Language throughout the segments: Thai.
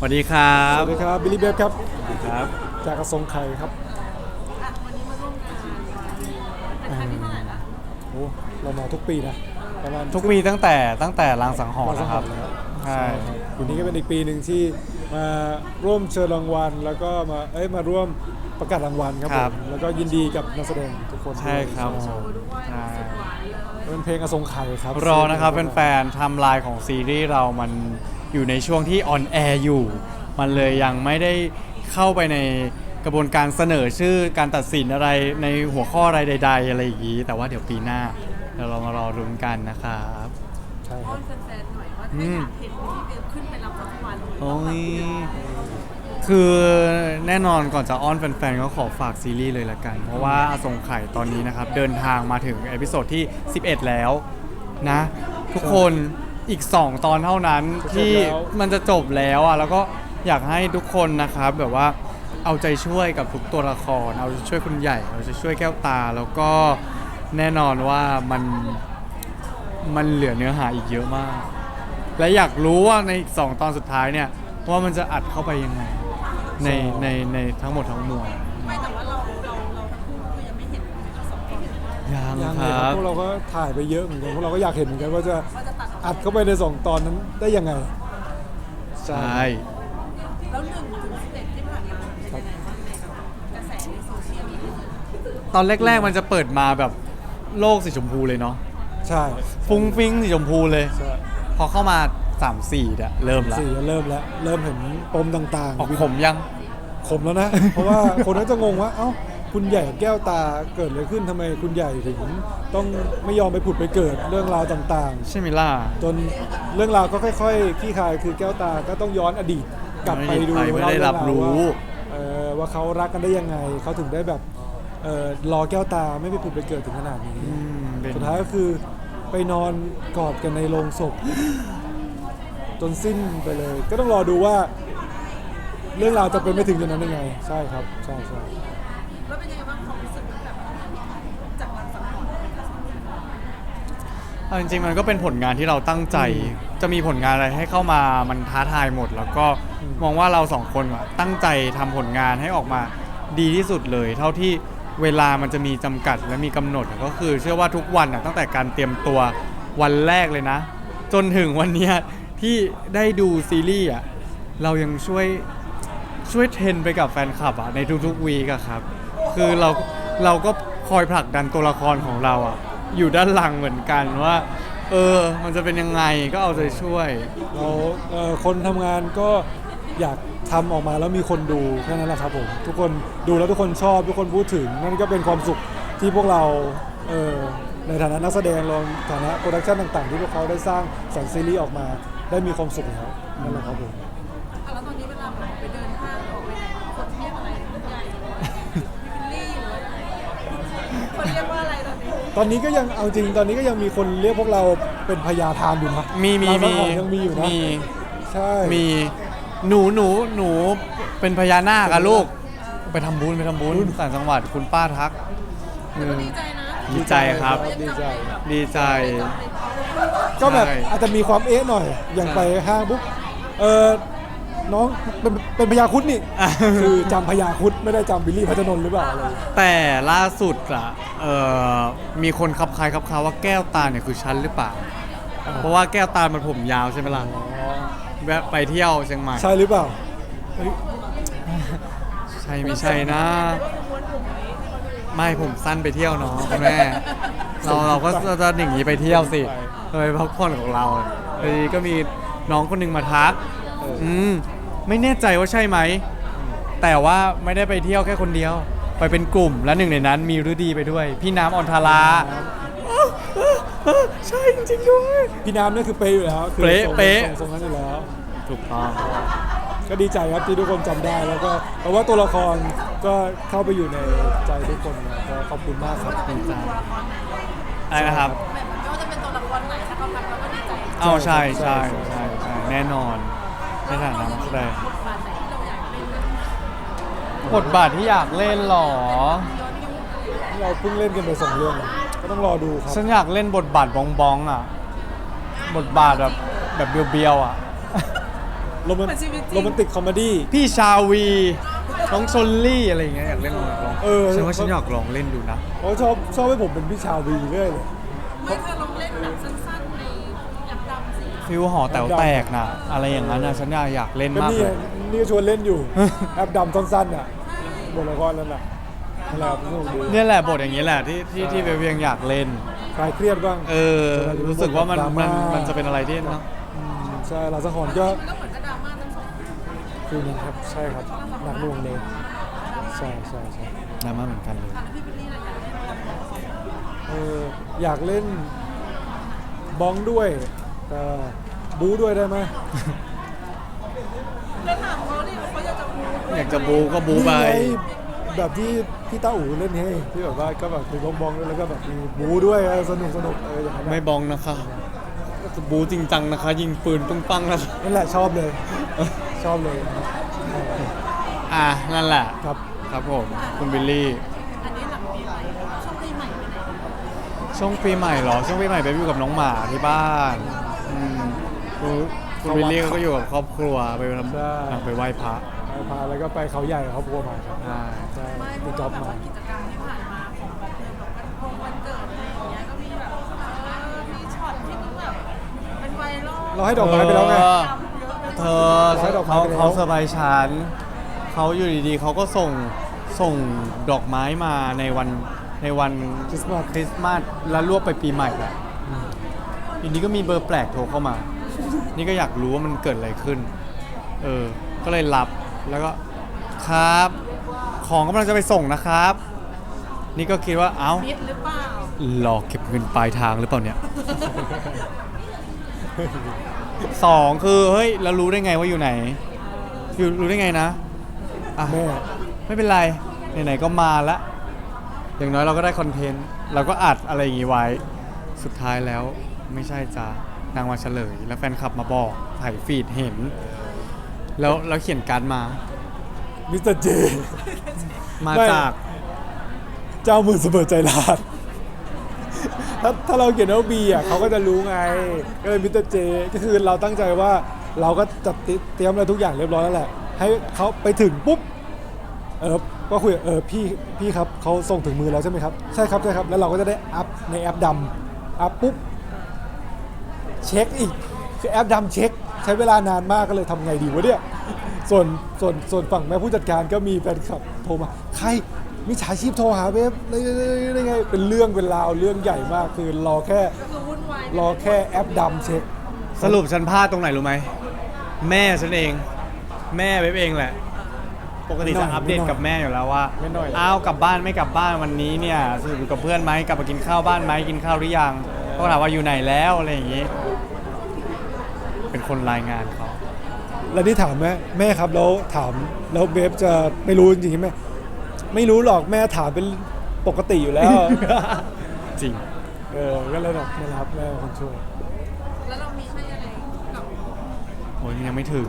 วัสดีครับสวัสดีครับบิลลี่เบฟครับครับจากกระทรวงไข่ครับวันนี้มาร่วมงานเป็นครั้งที่เท่าไหร่ละโอ้เรามาทุกปีนะประมาณทุกปีตั้งแต่รางสังหรณ์นะครับแล้วใช่ครับปีนี้ก็เป็นอีกปีหนึ่งที่มาร่วมเชิญรางวัลแล้วก็มาร่วมประกาศรางวัลครับผมแล้วก็ยินดีกับนักแสดงทุกคนใช่ครับใช่ใช่เป็นเพลงกระทรวงไข่ครับรอนะครับแฟนๆไทม์ไลน์ของซีรีส์เรามันอยู่ในช่วงที่ออนแอร์อยู่ มันเลยยังไม่ได้เข้าไปในกระบวนการเสนอชื่อการตัดสินอะไรในหัวข้ออะไรใดๆอะไรอย่างนี้ แต่ว่าเดี๋ยวปีหน้าเรามารอรุ้นกันนะครับใช่คอ้อรับนแฟนๆหน่อยว่าถ้าอยากเห็นพี่เบลขึ้นไปรับรางวัลโอ้ยคือแน่นอนก่อนจะอ้อนแฟนๆก็ขอฝากซีรีส์เลยละกัน เพราะว่าอสงไข่ตอนนี้นะครับ เดินทางมาถึงเอพิโซดที่ 11 แล้วนะ ทุกคนอีก 2 ตอนเท่านั้นที่มันจะจบแล้วอ่ะแล้วก็อยากให้ทุกคนนะครับแบบว่าเอาใจช่วยกับทุกตัวละคร เอาใจช่วยคุณใหญ่ เอาใจช่วยแก้วตา แล้วก็แน่นอนว่ามันเหลือเนื้อหาอีกเยอะมาก และอยากรู้ว่าในอีก2 ตอนสุดท้ายเนี่ยว่ามันจะอัดเข้าไปยังไงในทั้งหมดทั้งมวลไม่แต่ว่าเราทั้งคู่คือยังไม่เห็นทั้งสองคนยังยังคเลยครัรับบ พวกเราก็ถ่ายไปเยอะเหมือนกันพวกเราก็อยากเห็นเหมือนกันว่าจะว่าจะตัดออกอัดเข้าไปใน2 ตอนนั้นได้ยังไงใช่แล้ว1 ถึง 11ที่ผ่านมาเป็นยังไงบ้างในกระแสในโซเชียลมีเดียตอนแรกๆมันจะเปิดมาแบบโลกสีชมพูเลยเนาะใช่ฟุ้งฟิ้งสีชมพูเลยใช่พอเข้ามา 3-4เนี่ยเริ่มละสี่เริ่มแล้วเริ่มเห็นปมต่างๆออกผมยังขมแล้วนะ เพราะว่าคนก็จะงงว่า เอ้า คุณใหญ่กับแก้วตาเกิดอะไรขึ้นทำไมคุณใหญ่ถึงต้องไม่ยอมไปผุดไปเกิดเรื่องราวต่างใช่ไหมล่ะๆ จนเรื่องราวก็ค่อยๆคลี่คลายคือแก้วตาก็ต้องย้อนอดีตกลับไปดูไม่ได้รับรู้ว่าเขารักกันได้ยังไงเขาถึงได้แบบรอแก้วตาไม่ไปผุดไปเกิดถึงขนาดนี้เป็นสุดท้ายก็คือไปนอนกอดกันในโรงศพ จนสิ้นไปเลย ก็ต้องรอดูว่า เรื่องราวจะเป็นไปถึงจุดนั้นยังไง ใช่ครับใช่แล้วเป็นยังไงบ้างความรู้สึกแบบจากวันสังหรณ์เอาจริงๆมันก็เป็นผลงานที่เราตั้งใจ จะมีผลงานอะไรให้เข้ามามันท้าทายหมด แล้วก็มองว่าเราสองคนอะตั้งใจทำผลงานให้ออกมาดีที่สุดเลย เท่าที่เวลามันจะมีจำกัดและมีกำหนดก็คือเชื่อว่าทุกวันอะตั้งแต่การเตรียมตัววันแรกเลยนะ จนถึงวันเนี้ยที่ได้ดูซีรีส์อะเรายังช่วยเทรนไปกับแฟนคลับอะในทุกๆวีคอะครับ คือเราก็คอยผลักดันตัวละครของเราอะอยู่ด้านหลังเหมือนกันว่า มันจะเป็นยังไงก็เอาใจช่วยเราคนทำงานก็อยากทำออกมาแล้วมีคนดูแค่นั้นแหละครับผมทุกคนดูแล้วทุกคนชอบทุกคนพูดถึงนั่นก็เป็นความสุขที่พวกเราในฐานะนักแสดงรวมฐานะโปรดักชั่นต่างๆที่พวกเขาได้สร้างสรรค์ซีรีส์ออกมาได้มีความสุขแล้วนั่นแหละครับผมแล้วตอนนี้เวลาไปเดินห้างออกไปไหนคนเรียกอะไรคุณใหญ่บิลลี่หรืออะไรคนเรียกว่าอะไรตอนนี้ตอนนี้ก็ยังเอาจริงตอนนี้ก็ยังมีคนเรียกพวกเราเป็นพญาทานอยู่นะมีร้านอาหารยังมีอยู่นะใช่มีหนูเป็นพญานาคอะลูกไปทำบุญต่างจังหวัดคุณป้าทักแต่ก็ดีใจนะดีใจครับดีใจดีใจก็แบบใช่อาจจะมีความเอ๊ะหน่อย อย่างไปห้างปุ๊บน้องเป็นพญาครุฑนี่ คือจำพญาครุฑไม่ได้จำบิลลี่พัชนนท์หรือเปล่าอะไรแต่ล่าสุดอะมีคนขับคายครับคาว่าแก้วตาเนี่ยคือฉันหรือเปล่า เพราะว่าแก้วตามันผมยาวใช่ไหมล่ะแวะไปเที่ยวเชียงใหม่ใช่หรือเปล่าใช่ไม่ใช่นะ ไม่ผมสั้นไปเที่ยวเนาะคุณแม่เราก็จะหนีอย่างนี้ไปเที่ยวสิไปพักผ่อนของเราทีนี้ก็มีน้องคนหนึงมาทักไม่แน่ใจว่าใช่ไหม แต่ว่าไม่ได้ไปเที่ยวแค่คนเดียว ไปเป็นกลุ่มและหนึ่งในนั้นมีฤดีไปด้วย พี่น้ำออนทาราใช่จริงๆด้วยพี่น้ำนี่คือเป๊ะอยู่แล้วคือเป๊ะทรงนั้นอยู่แล้วถูกต้องก็ดีใจครับที่ทุกคนจำได้แล้วก็เพราะว่าตัวละครก็เข้าไปอยู่ในใจทุกคนนะก็ขอบคุณมากครับดีใจอะไรนะครับแบบไม่ว่าจะเป็นตัวละครไหนถ้าเขาทำเราก็ดีใจเอาใช่แน่นอนในฐานะนักแสดงบทบาทไหนที่เราอยากเล่นบทบาทที่อยากเล่นหรอเราเพิ่งเล่นกันไป2 เรื่องก็ต้องรอดูครับฉันอยากเล่นบทบาทบองบองอ่ะ บทบาทแบบเบียวๆอ่ะโรแมนเหมือนชีวิตจริงโรแมนติกคอมเมดี้พี่ชาวีน้องชลลี่อะไรอย่างเงี้ยอยากเล่นอยากลองฉันว่าฉันอยากลองเล่นดูนะเขาชอบให้ผมเป็นพี่ชาวีเรื่อยเลยไม่เธอลองเล่นแบบสั้นๆในแอปดำสิฟิวหอแต๋วแตกนะอะไรอย่างนั้นนะฉันอยากเล่นก็มากนี่เลยนี่ก็ชวนเล่นอยู่ แอปดำสั้นๆอ่ะบทละครนั่นแหละนั่นแหละสนุกดีเนี่ยแหละบทอย่างนี้แหละที่เบลยังอยากเล่นคลายเครียดบ้างรู้สึกว่ามันดราม่ามันจะเป็นอะไรที่เนาะใช่ลาสะหอนก็มันก็เหมือนกับดราม่าทั้งสองคือนะครับใช่ครับหนักหน่วงเลยใช่ใช่ใช่ดราม่าเหมือนกันเลยแล้วพี่บิลลี่อะไรอยากเล่นอะไรอยากเล่นบ้องด้วยแต่บู๊ด้วยได้ไหมแล้วถามเขาดิเขาอยากจะพูดอยากจะบูก็บูไปนี่ไงแบบที่พี่ต้าอู๋เล่นให้ที่แบบว่าก็แบบมีบ้องๆด้วยแล้วก็แบบมีบู๊ด้วยสนุกอย่างนั้นไม่บองนะคะจะบูจริงจังนะคะ ยิงปืนปึ้งปังนะคะนั่นแหละชอบเลยชอบเลยนั่นแหละครับครับผมคุณบิลลี่อันนี้หลังปีใหม่ช่วงปีใหม่ไปไหนช่วงปีใหม่เหรอ ช่วงปีใหม่ไปอยู่กับน้องหมาที่บ้านคุณบิลลี่ก็อยู่กับครอบครัวไปทำไปไหว้พระไปพาแล้วก็ไปเขาใหญ่กับครอบครัวมาครับอ่าใช่ไม่เพพี่ราะจ๊อว่าบแบบมาว่ากิจกรรมที่ผ่านมาของแบบวันเกิดอะไรอย่างเงี้ยก็มีแบบมีช็อตที่มันแบบเป็นไวรัลเราให้ดอกไม้ไปแล้วไงเธอให้ดอกไม้เขาไปแล้วเขาเซอร์ไพรส์ฉันเขาอยู่ดีๆเขาก็ส่งดอกไม้มาในวันคริสต์มาสคริสต์มาสแล้วรวบไปปีใหม่แหละทีนี้ก็มีเบอร์แปลกโทรเข้ามา นี่ก็อยากรู้ว่ามันเกิดอะไรขึ้น ก็เลยรับแล้วก็ครับ ของกำลังจะไปส่งนะครับ นี่ก็คิดว่าเอ้ามิดหรือเปล่าหลอกเก็บเงินปลายทางหรือเปล่าเนี่ย สองคือเฮ้ยเรารู้ได้ไงว่าอยู่ไหนรู้ได้ไงนะอ่ะแม่ไม่เป็นไรไหนๆก็มาละอย่างน้อยเราก็ได้คอนเทนต์เราก็อัดอะไรอย่างงี้ไว้สุดท้ายแล้วไม่ใช่จ้านางมาเฉลย แล้วแฟนคลับมาบอกถ่ายฟีดเห็น แล้วเขียนการ์ดมามิสเตอร์เจมาไม่จากเจ้ามือเสมอใจร้านถ้าเราเขียนว่าบีเขาก็จะรู้ไงก็เลยมิสเตอร์เจก็คือเราตั้งใจว่าเราก็จัดเตรียมอะไรทุกอย่างเรียบร้อยแล้วแหละให้เขาไปถึงปุ๊บก็คุยพี่ครับเขาส่งถึงมือแล้วใช่ไหมครับใช่ครับแล้วเราก็จะได้อัพในแอปดำอัพปุ๊บเช็คอีกคือแอปดำเช็คใช้เวลานานมากก็เลยทำไงดีวะเนี่ยส่วนฝั่งแม่ผู้จัดการก็มีแฟนคลับโทรมาใครมิจฉาชีพโทรหาเว็บได้ไงเป็นเรื่องเป็นราวเรื่องใหญ่มากคือรอแค่ก็คือวุ่นวายรอแค่แอปดำเช็คสรุปฉันพลาดตรงไหนรู้ไหมแม่ฉันเอง แม่เว็บเองแหละ ปกติจะอัปเดตกับแม่อยู่แล้วว่าไม่น้อยอ้าวกลับบ้านไม่กลับบ้านวันนี้เนี่ยสรุปอยู่กับเพื่อนไหมกลับมากินข้าวบ้านไหมกินข้าวหรือยังเขาถามว่าอยู่ไหนแล้วอะไรอย่างงี้ เป็นคนรายงานเขาแล้วนี่ถามแม่ครับแล้วถามแล้วเว็บจะไม่รู้จริงๆไหมไม่รู้หรอกแม่ถามเป็นปกติอยู่แล้วจริงก็เลยแบบนี่นะครับแม่เป็นคนช่วยแล้วเรามีให้อะไรกับโอ้ยยังไม่ถึง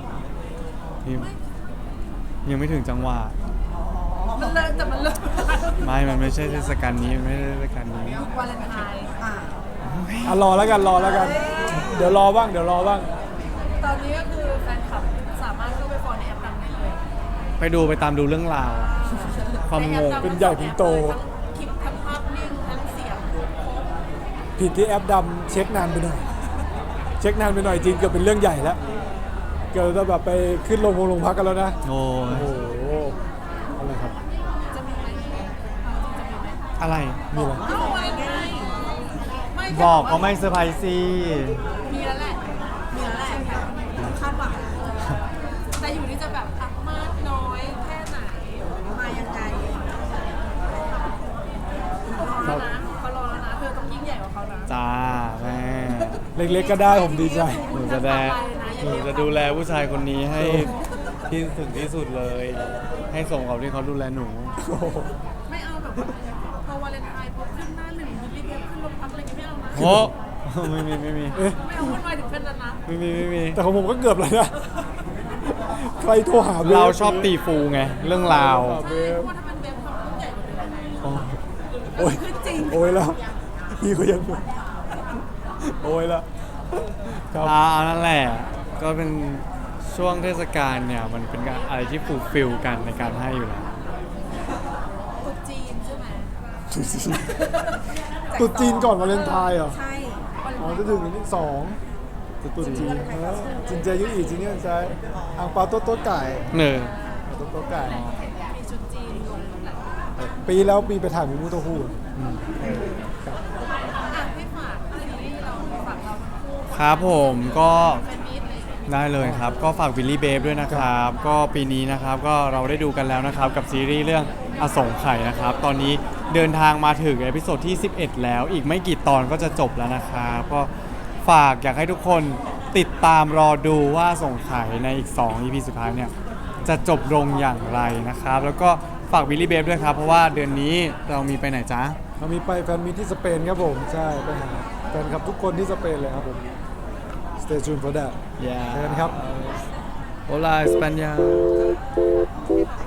ยังไม่ถึงจังหวะมันเลิกแต่มันเลิกมันไม่ใช่เทศกาลนี้มันไม่ใช่เทศกาลนี้วาเลนไทน์รอแล้วกันเดี๋ยวรอบ้างตอนนี้ก็คือแฟนคลับสามารถเข้าไปฟอลในแอปดำได้เลยไปตามดูเรื่องราว ความงงเป็นใหญ่เป็นโตทั้งคลิปทั้งภาพนิ่งทั้งเสียงผิดที่แอปดำเช็คนานไปหน่อยจริงเกือบเป็นเรื่องใหญ่แล้วเกือบจะแบบไปขึ้นโรงพักกันแล้วนะโอ้ยโอ้โหอะไรครับจะมีไหมจะมีไหมอะไรมีอะไรเอ้าวาเลนไทน์ไม่แค่บอกก็ไม่เซอร์ไพรส์สิมีแล้วแหละคาดหวังแต่อยู่ที่จะแบบมากน้อยแค่ไหนมายังไงรอแล้วนะเขารอแล้วนะเธอต้องยิ่งใหญ่กว่าเขานะจ้าแม่เล็กๆก็ได้ผมดีใจหนูจะดูแลผู้ชายคนนี้ให้ที่ถึงที่สุดเลย ให้สมกับที่เขาดูแลหนูโอ้โหไม่เอาแบบว่าพอวาเลนไทน์ปุ๊บขึ้นหน้าหนึ่งรีบๆขึ้นโรงพักอะไรอย่างเงี้ยไม่เอานะโอ้ไม่มีไม่เอาวุ่นวายถึงขั้นนั้นนะไม่มีแต่ของผมก็เกือบเลยนะ ใครโทรหาว็บเราชอบตีฟูไง เรื่องราวใช่เพราะว่าถ้ามันเว็บความรุ่นใหญ่กว่าเดิมโอ้ยขึ้นจริงโอ้ยแล้วพี่เขายังโอ้ยแล้วครับนั่นแหละ ก็เป็นช่วงเทศกาลเนี่ยมันเป็นอะไรที่ฟูลฟิลกันในการให้อยู่แล้วตุ๊กจีนใช่ไหมตรุษจีนก่อนวาเลนไทน์เหรอใช่วันอ๋อจะถึงวันที่2ตรุษจีนจินเจยุอีจินเนี่ยใช้อ่างเปาโต๊ะโต๊ะไก่เนอโต๊ะโต๊ะไก่มีชุดจีนลงหลายปีแล้วปีไปถ่ายหมูมูโตฮูอ่ะให้ฝากซีรีส์เราฝากเราทั้งคู่ครับผมก็แฟนมีตเลยได้เลยครับ ก็ฝากวิลลี่เบฟด้วยนะครับ ก็ปีนี้นะครับก็เราได้ดูกันแล้วนะครับกับซีรีส์เรื่องอสงไข่นะครับ ตอนนี้เดินทางมาถึงเอพิโซดที่ 11 แล้วอีกไม่กี่ตอนก็จะจบแล้วนะครับก็ฝากอยากให้ทุกคนติดตามรอดูว่าอสงไข่ในอีก 2 EP สุดท้ายเนี่ยจะจบลงอย่างไรนะครับ แล้วก็ฝากวิลลี่เบฟด้วยครับ เพราะว่าเดือนนี้เรามีไปไหนจ๊ะเรามีไปแฟนมีตที่สเปนครับผม ใช่ไปหาแฟนคลับทุกคนที่สเปนเลยครับผม Stay tuned for that Yeah เจอกันครับ Hola España